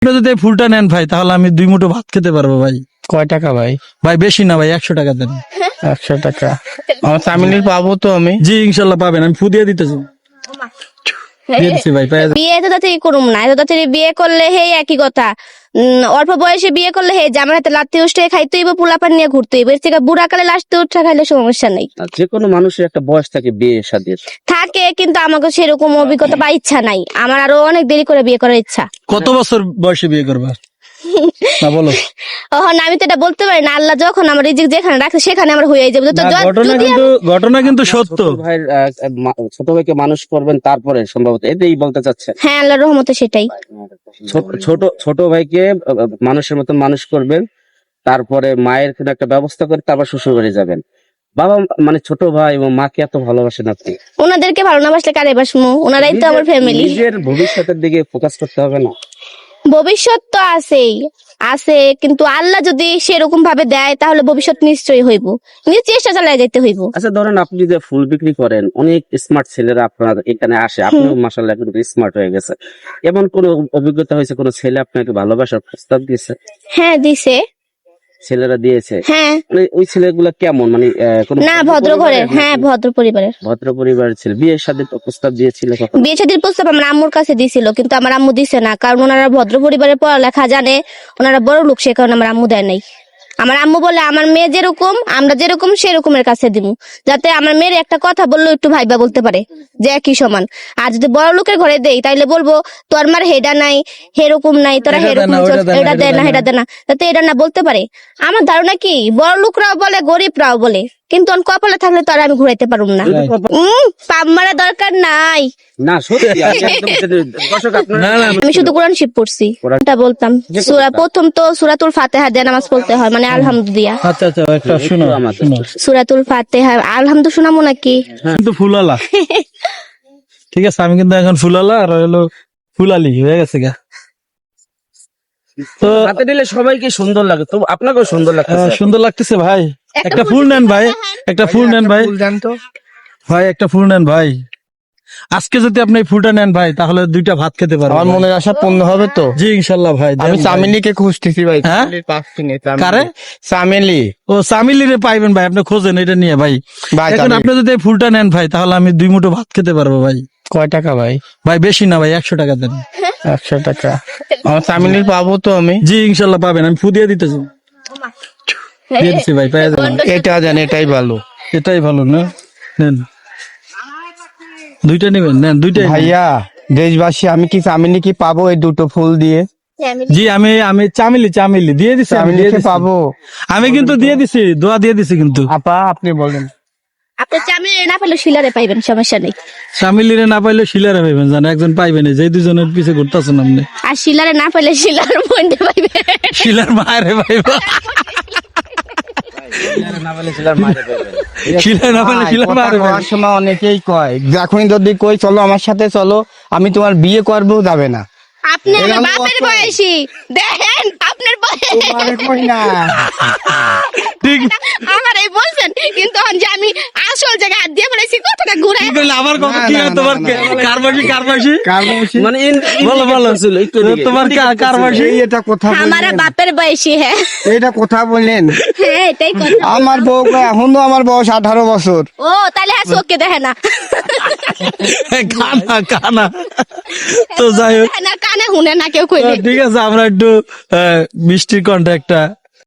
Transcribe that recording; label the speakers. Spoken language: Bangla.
Speaker 1: আপনি যদি এই ফুলটা নেন ভাই তাহলে আমি 2 মুঠো ভাত খেতে পারবো ভাই।
Speaker 2: কয় টাকা ভাই?
Speaker 1: ভাই বেশি না ভাই, 100 টাকা দেন।
Speaker 2: 100 টাকা আমার চামিলির পাবো তো আমি?
Speaker 1: জি ইনশাল্লাহ পাবেন, আমি ফু দিয়ে দিতেছি। দিয়ে দিচ্ছি ভাই, পেয়ে যাবেন।
Speaker 3: বিয়ে তো তাড়াতাড়ি করুম না, এত তাড়াতাড়ি বিয়ে করলে হে একই কথা। অল্প বয়সে বিয়ে করলে হে জামার হাতে লাত্তি উঠে খাইতে হইব, পোলাপান নিয়ে ঘুরতে হইব। এর থেকে বুড়া কালে লাস্টে উঠে খাইলে সমস্যা নাই।
Speaker 4: যে কোনো মানুষের একটা বয়স থাকে বিয়ে শাদীর।
Speaker 3: থাকে, কিন্তু আমাকে সেরকম অভিজ্ঞতা বা ইচ্ছা নাই। আমার আরো অনেক দেরি করে বিয়ে করার ইচ্ছা।
Speaker 1: কত বছর বয়সে বিয়ে করবা না বলো?
Speaker 3: আমি তো এটা বলতে পারি না। আল্লাহ যখন আমার রিজিক যেখানে রাখে সেখানে আমার হয়ে যাবে। তো
Speaker 1: না, ঘটনা কিন্তু সত্য।
Speaker 4: ভাইয়ের ছোট ভাইকে মানুষ করবেন তারপরে সম্ভবত এটাই বলতে চাচ্ছেন?
Speaker 3: হ্যাঁ, আল্লাহর রহমতে সেটাই।
Speaker 4: ছোট ভাইকে মানুষের মতন মানুষ করবেন, তারপরে মায়ের কোনো একটা ব্যবস্থা করে তারপর শ্বশুর বাড়ি যাবেন। বাবা মানে ছোট ভাই এবং মাকে এত ভালোবাসেন আপনি,
Speaker 3: ওনাদেরকে ভালো না বাসলে কারে বাসমু? ওনারাই তো আমার ফ্যামিলি।
Speaker 4: নিজের ভবিষ্যতের দিকে ফোকাস করতে হবে না?
Speaker 3: ভবিষ্যৎ তো আছে, কিন্তু আল্লাহ যদি সেরকম ভাবে দেয় তাহলে ভবিষ্যৎ নিশ্চয়ই হইব। নিজে চেষ্টা চালিয়ে যেতে হইব।
Speaker 4: আচ্ছা ধরেন আপনি যে ফুল বিক্রি করেন, অনেক স্মার্ট ছেলেরা আপনার এখানে আসে, আপনিও মাশাআল্লাহ কিন্তু স্মার্ট হয়ে গেছে। এমন কোন অভিজ্ঞতা হয়েছে কোন ছেলে আপনাকে ভালোবাসার প্রস্তাব দিয়েছে?
Speaker 3: হ্যাঁ, দিছে।
Speaker 4: ছেলেরা দিয়েছে?
Speaker 3: হ্যাঁ।
Speaker 4: মানে ওই ছেলেগুলা কেমন, মানে
Speaker 3: না, ভদ্র ঘরের। হ্যাঁ, ভদ্র পরিবারের।
Speaker 4: ভদ্র পরিবারের ছেলে। বিয়ের সাথে প্রস্তাব দিয়েছিল কখন?
Speaker 3: বিয়ে শাদীর প্রস্তাব আমার আম্মুর কাছে দিছিল, কিন্তু আমার আম্মু দিছে না। কারণ ওনারা ভদ্র পরিবারের পড়ালেখা জানে, ওনারা বড় লোক, সে কারণে আমার আম্মু দেয় নাই। আমার আম্মু বলে আমার মেয়ে যেরকম আমরা যেরকম সেরকমের কাছে দিব, যাতে আমার মেয়ের একটা কথা বললো একটু ভাইবা বলতে পারে যে একই সমান। আর যদি বড় লোকের ঘরে দেই তাইলে বলবো তোর মার হেডা নাই, হেরকম নাই, তোরা হেরকম এটা দেয় না, হেডা দেয় না, যাতে এটা না বলতে পারে। আমার ধারণা কি, বড় লোকরাও বলে গরিবরাও বলে, কিন্তু কপালে থাকলে তো আর আমি ঘুরাইতে পারুম না। পাম মারা দরকার নাই।
Speaker 4: না সত্যি দর্শক আপনারা
Speaker 3: আমি শুধু কোরআন শিব পড়ছি, এটা বলতাম। প্রথম তো সূরাতুল ফাতিহা দিয়ে নামাজ পড়তে হয়, মানে আলহামদুলিল্লাহ।
Speaker 1: আচ্ছা একটা শুনো।
Speaker 3: সূরাতুল ফাতিহা আলহামদুলিল্লাহ শোনাবো নাকি?
Speaker 1: কিন্তু ফুলালা ঠিক আছে, আমি কিন্তু এখন ফুলালা আর হলো ফুলালি হয়ে গেছে গা। তো
Speaker 4: হাতে দিলে সবাইকে সুন্দর লাগে, তো আপনাকেও সুন্দর লাগছে।
Speaker 1: সুন্দর লাগতেছে ভাই। একটা ফুল নেন ভাই, একটা ফুল নেন ভাই। ভাই একটা ফুল নেন ভাই। আজকে যদি আপনি এই ফুলটা নেন ভাই তাহলে 2টা ভাত খেতে পারবেন।
Speaker 2: আমার মনের আশা পূর্ণ হবে তো?
Speaker 1: জি ইনশাল্লাহ ভাই।
Speaker 2: আমি চামিলিকে খুঁজতেছি ভাই।
Speaker 1: হ্যাঁ? কারে?
Speaker 2: চামেলি।
Speaker 1: ও চামিলিরে পাইবেন ভাই, আপনি খোঁজেন এটা নিয়ে ভাই।
Speaker 2: ভাই
Speaker 1: এখন আপনি যদি এই ফুলটা নেন ভাই তাহলে আমি 2 মুঠো ভাত খেতে পারবো ভাই।
Speaker 2: কয় টাকা ভাই?
Speaker 1: ভাই বেশি না ভাই, 100 টাকা দেন।
Speaker 2: 100 টাকা আমার চামিলির পাবো তো আমি?
Speaker 1: জি ইনশাল্লাহ পাবেন, আমি ফু দিয়ে দিতেছি। দিয়ে দিচ্ছি ভাই, পেয়ে যাবেন।
Speaker 2: এটা জান, এটাই ভালো।
Speaker 1: এটাই ভালো না, নেন 2টা নেবেন, নেন 2টাই।
Speaker 2: ভাইয়া দেশবাসী, আমি কি চামিলি কি পাবো এই দুটো ফুল দিয়ে?
Speaker 1: জি আমি চামিলি দিয়ে দিছি, আমি দিয়ে দিছি
Speaker 2: পাবো।
Speaker 1: আমি কিন্তু দিয়ে দিছি, দোয়া দিয়ে দিছি কিন্তু।
Speaker 2: আপা আপনি বলেন।
Speaker 3: আপনি চামিলে না পেলে শিলারে পাইবেন, সমস্যা নেই।
Speaker 1: চামিলিরে না পাইলে শিলারে পাইবেন, জান একজন পাইবেন, যে 2জনের পিছে ঘুরতেছেন আপনি।
Speaker 3: আর শিলারে না পেলে শিলার বোনটা পাইবে,
Speaker 1: শিলার মায়েরে পাইবা। শিলার না পাইলে শিলার মায়েরে পাইবা।
Speaker 2: সময় অনেকেই কয়, যখনই যদি কই চলো আমার সাথে চলো, আমি তোমার বিয়ে করবো, যাবে না।
Speaker 3: আপনি আমার বাপের বয়সী, দেখেন আপনার বয়স
Speaker 1: ঠিক
Speaker 3: আমার এই বলছেন, কিন্তু যে আমি আসল জায়গায় হাত দিয়ে বলেছি কথাটা ঘুরে
Speaker 1: আমার কথা কি হয় তোমার? কারবাসী
Speaker 4: মানে
Speaker 1: বলো তোমার কারবাসী।
Speaker 2: এটা কথা
Speaker 3: আমার বাপের বয়সী। হ্যাঁ,
Speaker 2: এটা কথা বললেন?
Speaker 3: হ্যাঁ এটাই কথা।
Speaker 2: আমার বউ এখনো, আমার বয়স 18 বছর।
Speaker 3: ও তাহলে হ্যাঁ, চোখকে দেখে না,
Speaker 1: কানা তো যাই হোক,
Speaker 3: কানে শুনে না কেউ কইলে।
Speaker 1: ঠিক আছে, আমরা একটু মিষ্টির কন্ট্যাক্টটা